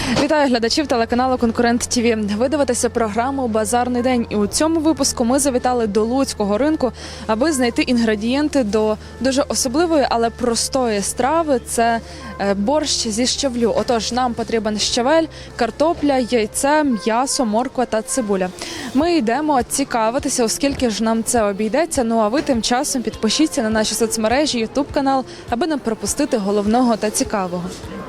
Вітаю глядачів телеканалу «Конкурент ТІВІ». Ви дивитеся програму «Базарний день». І у цьому випуску ми завітали до Луцького ринку, аби знайти інгредієнти до дуже особливої, але простої страви. Це борщ зі щавлю. Отож, нам потрібен щавель, картопля, яйце, м'ясо, морква та цибуля. Ми йдемо цікавитися, оскільки ж нам це обійдеться. Ну а ви тим часом підпишіться на наші соцмережі, ютуб-канал, аби не пропустити головного та цікавого.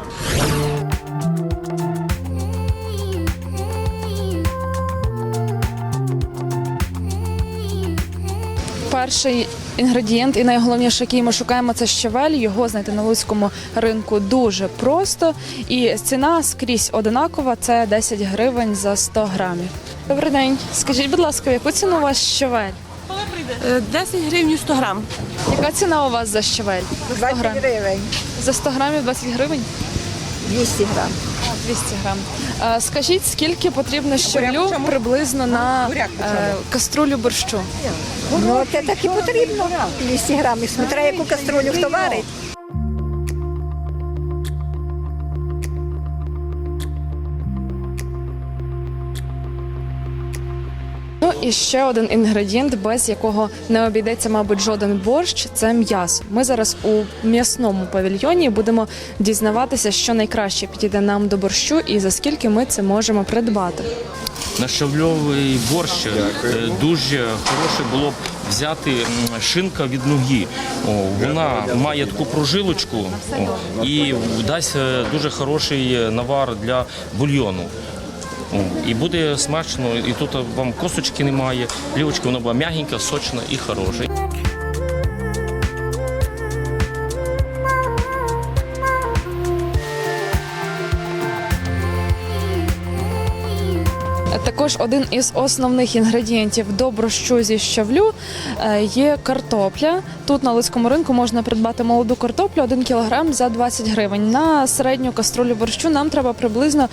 Перший інгредієнт і найголовніше, який ми шукаємо, це щавель. Його знайти на Луцькому ринку дуже просто. І ціна скрізь одинакова – це 10 гривень за 100 грамів. Добрий день. Скажіть, будь ласка, яку ціну у вас щавель? 10 гривень 100 грам. Яка ціна у вас за щавель? За 100 20 грамів? гривень, За 100 грамів 20 гривень? 200 грам. 200 грам. Скажіть, скільки потрібно щавлю приблизно на каструлю борщу? Ну, це так і потрібно. 200 грам. І смотря, яку каструлю хто варить. Ну і ще один інгредієнт, без якого не обійдеться, мабуть, жоден борщ – це м'ясо. Ми зараз у м'ясному павільйоні будемо дізнаватися, що найкраще підійде нам до борщу і за скільки ми це можемо придбати. На щавльовий борщ дуже хороше було б взяти шинка від ноги. Вона має таку прожилочку і дасть дуже хороший навар для бульйону. І буде смачно, і тут вам косточки немає, плівочки, вона була м'ягенька, сочна і хороша. Також один із основних інгредієнтів до борщу зі щавлю є картопля. Тут на Луцькому ринку можна придбати молоду картоплю 1 кілограм за 20 гривень. На середню каструлю борщу нам треба приблизно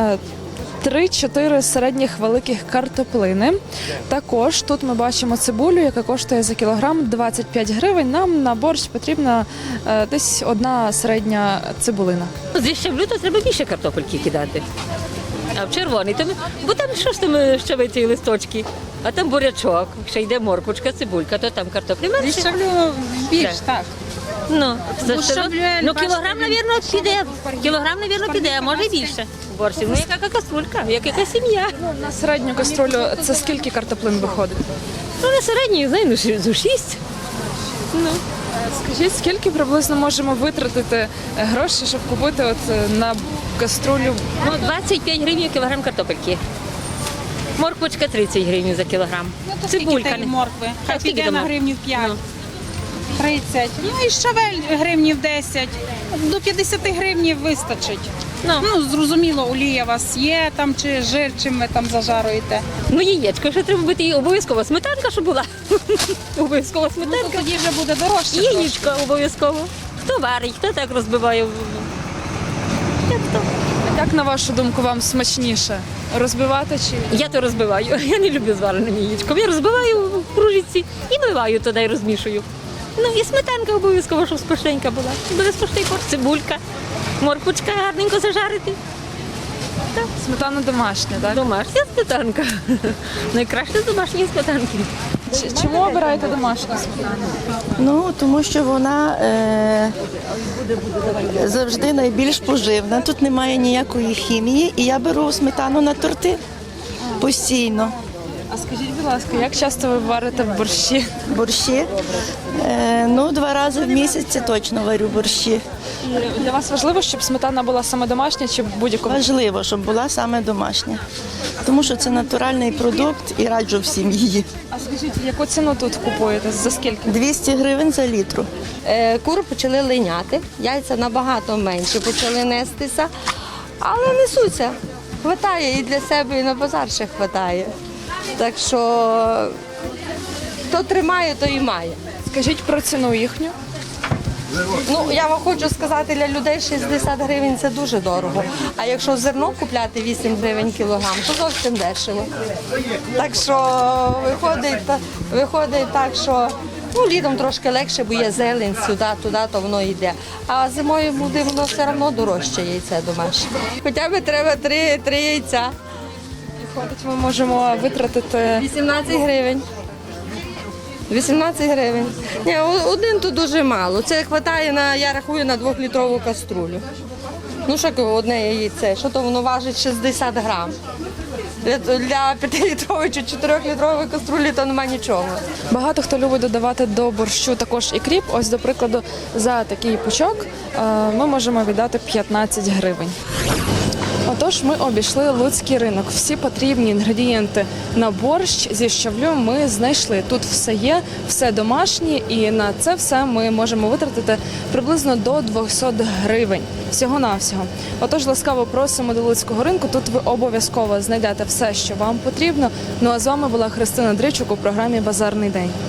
3-4 середніх великих картоплини. Також тут ми бачимо цибулю, яка коштує за кілограм 25 гривень. Нам на борщ потрібна десь одна середня цибулина. Зі щавлю то треба більше картопельки кидати. А в червоний, бо там що ж там щавиці і листочки, а там бурячок, ще йде морквочка, цибулька, то там картоплі менше. Зі щавлю більш, так. Ну, щавлю, кілограм, мабуть, піде. Кілограм, мабуть, піде, а може і більше. Борщів. Ну, яка каструлька, як яка сім'я. На середню каструлю це скільки картоплин виходить? Ну, на середній, знаю, ну, 6. Ну. Скажіть, скільки приблизно можемо витратити грошей, щоб купити на каструлю? Ну, 25 гривень кілограм картопельки. Морквочка 30 гривень за кілограм. Цибулька моркви. Хай піде на гривнів 5. 30. Ну і щавель гривнів 10. До 50 гривнів вистачить. Ну, зрозуміло, олія у вас є там, чи жир, чим ви там зажаруєте. Ну, яєчко, ще треба бути і обов'язково сметанка, щоб була. Обов'язково Ну, сметанка. то тоді вже буде дорожче. Яєчко обов'язково. Хто варить, хто так розбиває. Як то? Як, на вашу думку, вам смачніше? Розбивати чи? Я то розбиваю. Я не люблю з вареним яєчком. Я розбиваю в кружечці і миваю туди і розмішую. Ну і сметанка обов'язково, щоб смачненька була. Буде смачний борщ, цибулька, морквочка гарненько зажарити. Сметана домашня, так? Домашня сметанка. Найкраще з домашньої сметанки. Чому обираєте домашню сметану? Ну, тому що вона завжди найбільш поживна. Тут немає ніякої хімії, і я беру сметану на торти постійно. А скажіть, будь ласка, як часто ви варите в борщі? Борщі. Ну, 2 рази в місяць це точно варю борщі. І для вас важливо, щоб сметана була саме домашня чи будь-якого? Важливо, щоб була саме домашня. Тому що це натуральний продукт і раджу всім її. А скажіть, яку ціну тут купуєте? За скільки? 200 гривень за літру. Кури почали линяти, яйця набагато менше почали нестися, але несуться. Хватає і для себе, і на базар ще хватає. Так що хто тримає, то і має. Скажіть про ціну їхню. Ну, я вам хочу сказати, для людей 60 гривень – це дуже дорого. А якщо зерно купляти 8 гривень кілограм, то зовсім дешево. Так що виходить так, що Ну, літом трошки легше, бо є зелень сюди, туди, то воно йде. А зимою буде воно все одно дорожче яйце домашнє. Хоча б треба 3 яйця. Виходить, ми можемо витратити 18 гривень. 18 гривень. Ні, один то дуже мало. Це вистачає я рахую, на 2-літрову каструлю. Ну що одне яйце, що то воно важить 60 грам. Для 5-літрової чи 4-літрової каструлі то немає нічого. Багато хто любить додавати до борщу також і кріп. Ось, до прикладу, за такий пучок ми можемо віддати 15 гривень. Отож, ми обійшли Луцький ринок. Всі потрібні інгредієнти на борщ зі щавлю ми знайшли. Тут все є, все домашнє, і на це все ми можемо витратити приблизно до 200 гривень. Всього-навсього. Отож, ласкаво просимо до Луцького ринку. Тут ви обов'язково знайдете все, що вам потрібно. Ну а з вами була Христина Дричук у програмі «Базарний день».